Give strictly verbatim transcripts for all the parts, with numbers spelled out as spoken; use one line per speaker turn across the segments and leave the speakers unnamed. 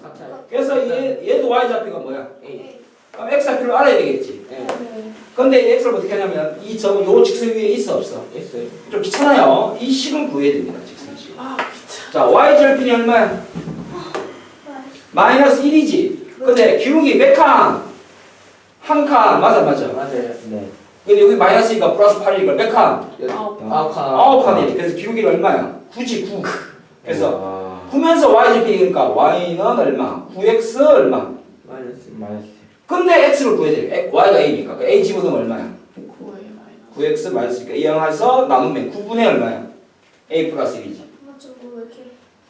같아요.
그래서 얘, 얘도 y좌표가 뭐야?
A.
그럼 x좌표를 알아야 되겠지.
네.
근데 x를 어떻게 하냐면 이 점, 요 직선 위에 있어 없어?
있어요.
좀 귀찮아요. 이 식을 구해야 됩니다. 직선식.
아 귀찮아.
자, y절편이 얼마야? 마이너스 일이지. 근데 기울기 몇 칸? 한 칸. 맞아, 맞아.
맞아요.
네.
근데 여기 마이너스니까 플러스 팔이니까 몇 칸?
아홉
아홉
칸.
아홉 칸이네. 그래서 기울기는 얼마야? 구지, 구. 그래서
와.
구면서 y절편이니까 y는 얼마? 구 엑스 얼마?
마이너스.
마이너스.
근데 x를 구해야 돼. y가 a니까. a 집어넣으면 얼마야?
구에 마이너스.
구 엑스 마이너스니까 이항해서 나누면 구분의 얼마야? a 플러스 일이지.
맞죠? 뭐 이렇게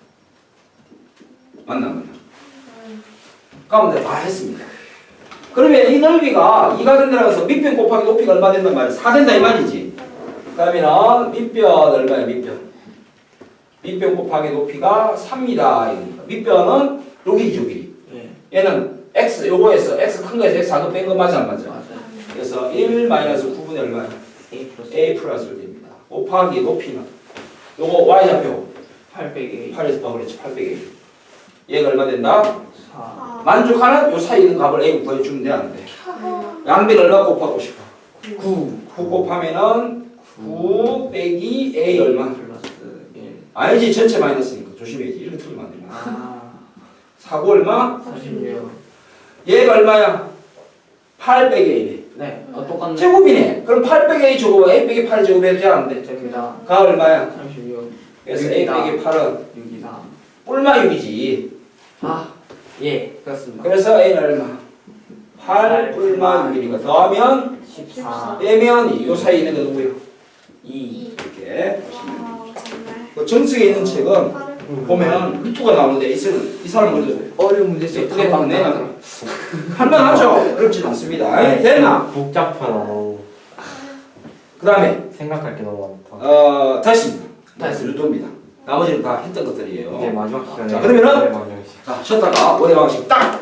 맞나 맞나? 가운데 다 했습니다. 그러면 이 넓이가 이가 된다고 해서 밑변 곱하기 높이가 얼마 된단 말이야? 사 된다 이 말이지. 그러면 밑변 얼마야 밑변? 밑변 곱하기 높이가 삼이다. 밑변은 여기죠 여기.
네.
얘는 x 요거에서 x 큰 거에서 x 작은 거 뺀 거 맞아 안 맞아?
맞아요.
그래서 일 마이너스 구분의 얼마야?
A 플러스.
a 플러스 됩니다. 곱하기 높이는 요거 y좌표
팔백 A.
팔에서 봐 그랬지 팔백 a. 얘가 얼마 된다?
사.
아,
만족하는 요 사이에 있는 값을 a 구해주면 돼 안 돼? 양변 얼마 곱하고 싶어? 구. 구 곱하면은 구 빼기 a 얼마?
플러스 일.
아니지 전체 마이너스니까 조심해야지. 이렇게 틀리면 안 됩니다.
아.
사 구 얼마?
사십육.
얘가 얼마야? 팔 빼기 a네.
네. 어 똑같네.
제곱이네. 그럼 팔 빼기 a 제곱 a 빼기 팔 제곱해도 돼 안 돼?
됩니다.
가 얼마야?
삼십육.
그래서 a
육이다.
빼기 팔은
육이다.
뿔마 육이지.
아. 예. 그렇습니다.
그래서 a는 얼마? 팔 뿔마 육이니까 더하면
십사.
빼면 이 사이에 있는 거 누구예요?
이.
이렇게
와, 정말
그 정석에 있는 책은
빠르.
보면 루트가 나오는데 이 책은 이 사람 먼저
어려운 문제
예쁘게 딱 내놔. 할만하죠? 어렵진 않습니다. 에이, 됐나?
복잡하다.
그 다음에
생각할 게 너무 많다.
어 다시
다시.
루트입니다. 나머지는 다 했던 것들이에요.
이제 마지막 시간에.
자, 그러면은-
네, 마지막 시간.
자 쉬었다가 오래 방식 딱.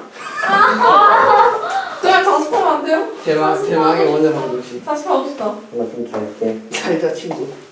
그냥 다시 타면 안 돼요?
대박 대박의 원자 방정식.
다시 가고 싶다.
나좀 잘게.
잘자 친구.